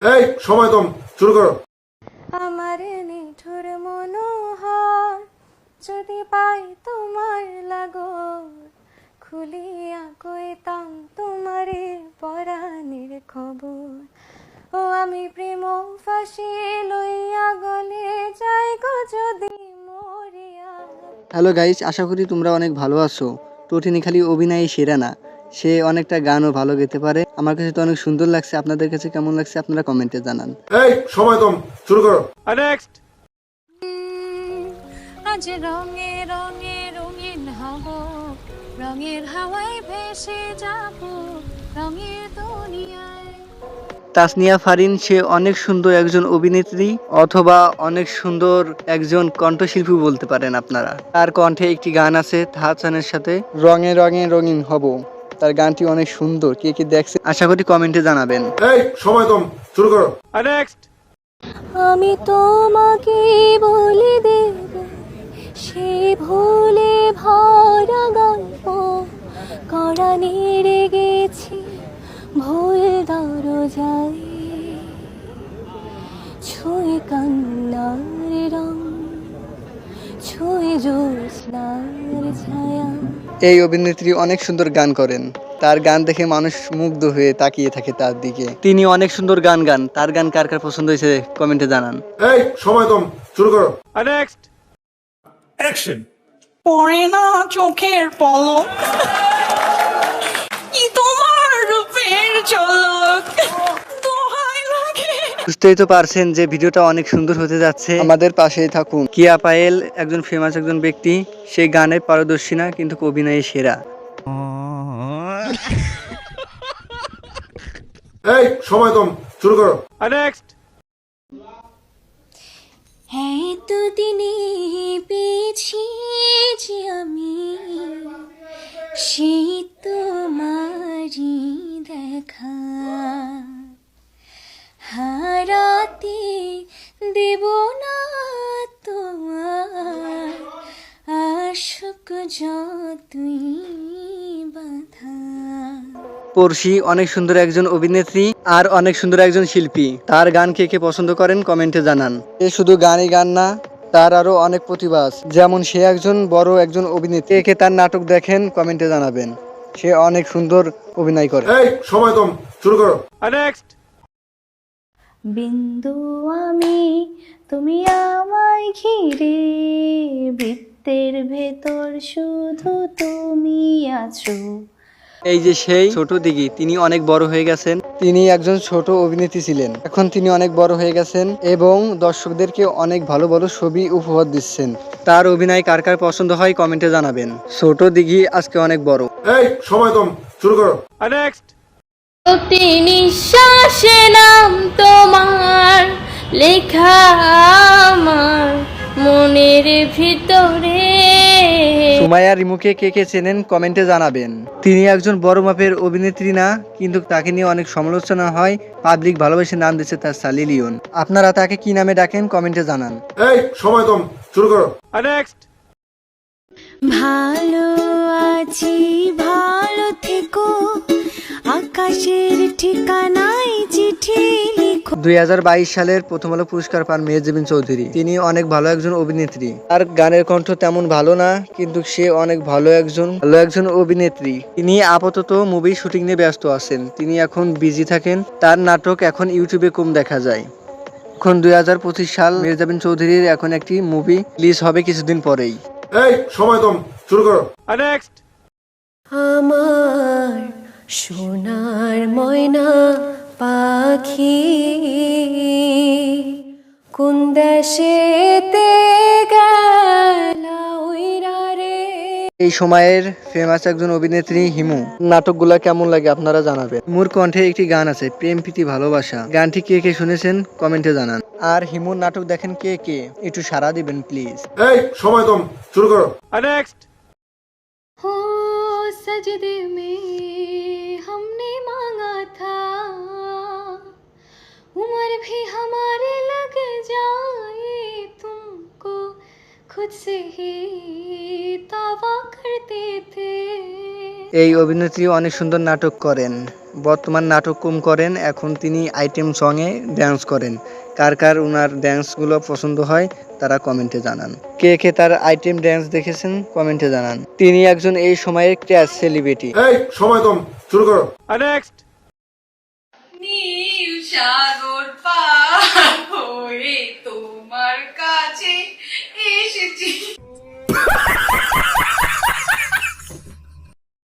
এই সময় কম, শুরু করো। আমার নিঠুর মনোহর যদি পাই তোমার লাগর, খুলিয়া কইতাম তোমারে পরাণের খবর। ও আমি প্রেম ফাঁসি লইয়া গলে যাই গো যদি মরিয়া। হ্যালো গাইস, আশা করি তোমরা অনেক ভালো আছো। টোটিনি খালি অভিনয় সেরা না, সে অনেকটা গানও ভালো গেতে পারে। আমার কাছে তো অনেক সুন্দর লাগছে। আপনাদের কাছে কেমন লাগছে আপনারা কমেন্টে জানান। এই সময় কম, শুরু করো। নেক্সট। আজ রঙে রঙে রঙিন হব, রঙের হাওয়ায় ভেসে যাব রঙের দুনিয়ায়। তাসনিয়া ফারিন সে অনেক সুন্দর একজন অভিনেত্রী অথবা অনেক সুন্দর একজন কণ্ঠশিল্পী বলতে পারেন আপনারা। তার কণ্ঠে একটি গান আছে হাসানের সাথে, রঙে রঙে রঙিন হব। তার গানটি অনেক সুন্দর। কে কে দেখছে আশা করি কমেন্টে জানাবেন। এই সময় কম, শুরু করো। নেক্সট। আমি তোমাকে বলে দেব সে ভুলে ভরা গল্প, করানি রেগেছি ভুল দরজায়, ছুঁয়ে কান্নার রং, ছুঁয়ে জ্যোৎস্নার ছায়া। এই অভিনেত্রী অনেক সুন্দর গান করেন। তার গান দেখে মানুষ মুগ্ধ হয়ে তাকিয়ে থাকে তার দিকে। তিনি অনেক সুন্দর গান গান। তার গান কার কার পছন্দ হয়েছে কমেন্টে জানান। এই সময় কম, শুরু করো। নেক্সট। অ্যাকশন। পড়ে না চোখের পলক, কি তোমার রূপের ঝলক, দোহাই লাগে। বুঝতেই তো পারছেন যে ভিডিওটা অনেক সুন্দর হতে যাচ্ছে। আমাদের পাশেই থাকুন। কিয়া পায়েল একজন ফেমাস একজন ব্যক্তি। সে গানে পারদর্শী না, কিন্তু অভিনয়ে সেরা। এই সময় কম, শুরু করো। নেক্সট। এতদিনে পেয়েছি যে আমি সেই তোমারই দেখা, হারাতে দেব না তোমার আশক যতই বাধা। পড়শি অনেক সুন্দর একজন অভিনেত্রী আর অনেক সুন্দর একজন শিল্পী। তার গান কে কে পছন্দ করেন কমেন্টে জানান। সে শুধু গানই গান না, তার আরো অনেক প্রতিভা আছে। যেমন সে একজন বড় একজন অভিনেত্রী। কে কে তার নাটক দেখেন কমেন্টে জানাবেন। সে অনেক সুন্দর অভিনয় করে। এই সময় কম, শুরু করো। নেক্সট। বিন্দু আমি তুমি আমায় ঘিরে, বৃত্তের ভেতর শুধু তুমি আছো। এই যে সেই ছোট দিঘি, তিনি অনেক বড় হয়ে গেছেন। তিনি একজন ছোট অভিনেত্রী ছিলেন, এখন তিনি অনেক বড় হয়ে গেছেন এবং দর্শকদেরকে অনেক ভালো ভালো ছবি উপহার দিচ্ছেন। তার অভিনয় কার কার পছন্দ হয় কমেন্টে জানাবেন। ছোট দিঘি আজকে অনেক বড়। এই সময় কম, শুরু করো। নেক্সট। প্রতি নিঃশ্বাসে নাম তোমার লেখা আমার মনের ভিতরে। সুমাইয়া রিমুকে কে কে চেনেন কমেন্টে জানাবেন। তিনি একজন বড় মাপের অভিনেত্রী না, কিন্তু তাকে নিয়ে অনেক সমালোচনা হয়। পাবলিক ভালোবেসে নাম দিচ্ছে তার সালি লিওন। আপনারা তাকে কি নামে ডাকেন কমেন্টে জানান। এই সময় কম, শুরু করো। নেক্সট। ভালো আছি ভালো থেকো, আকাশের ঠিকানায় চিঠি লিখো। 2022 সালের প্রথম আলো পুরস্কার পান মেহেজাবিন চৌধুরী। তিনি অনেক ভালো একজন অভিনেত্রী। তার গানের কণ্ঠ তেমন ভালো না, কিন্তু সে অনেক ভালো একজন অভিনেত্রী। তিনি আপাতত মুভি শুটিং নিয়ে ব্যস্ত আছেন। তিনি এখন বিজি থাকেন। তার নাটক এখন ইউটিউবে কম দেখা যায়। এখন 2025 সাল, মেহেজাবিন চৌধুরীর এখন একটি মুভি রিলিজ হবে কিছুদিন পরেই। এই সময় কম, শুরু করো। নেক্সট। আমার সোনার ময়না পাখি কোন দেশেতে গেলা উইরা রে। এই সময়ের ফেমাস একজন অভিনেত্রী হিমু। নাটকগুলা কেমন লাগে আপনারা জানাবেন। হিমুর কণ্ঠে একটি গান আছে প্রেম প্রীতি ভালোবাসা। গানটি কে কে শুনেছেন কমেন্টে জানান। আর হিমুর নাটক দেখেন কে কে একটু সাড়া দিবেন প্লিজ। এই সময় কম, শুরু করো। নেক্সট। हो सजदे में हमने मांगा था, उम्र भी हमारे लग जाए तुमको खुद से ही दावा करते थे। এই অভিনেত্রী অনেক সুন্দর নাটক করেন, বর্তমান নাটক কম করেন, এখন তিনি আইটেম সঙে ড্যান্স করেন। কার কার ওনার ড্যান্সগুলো পছন্দ হয় তারা কমেন্টে জানান। কে কে তার আইটেম ড্যান্স দেখেছেন কমেন্টে জানান। তিনি একজন এই সময়ের ক্র্যাশ সেলিব্রিটি। এই সময় কম, শুরু করো। নীল সাগর পার হয়ে তোমার কাছে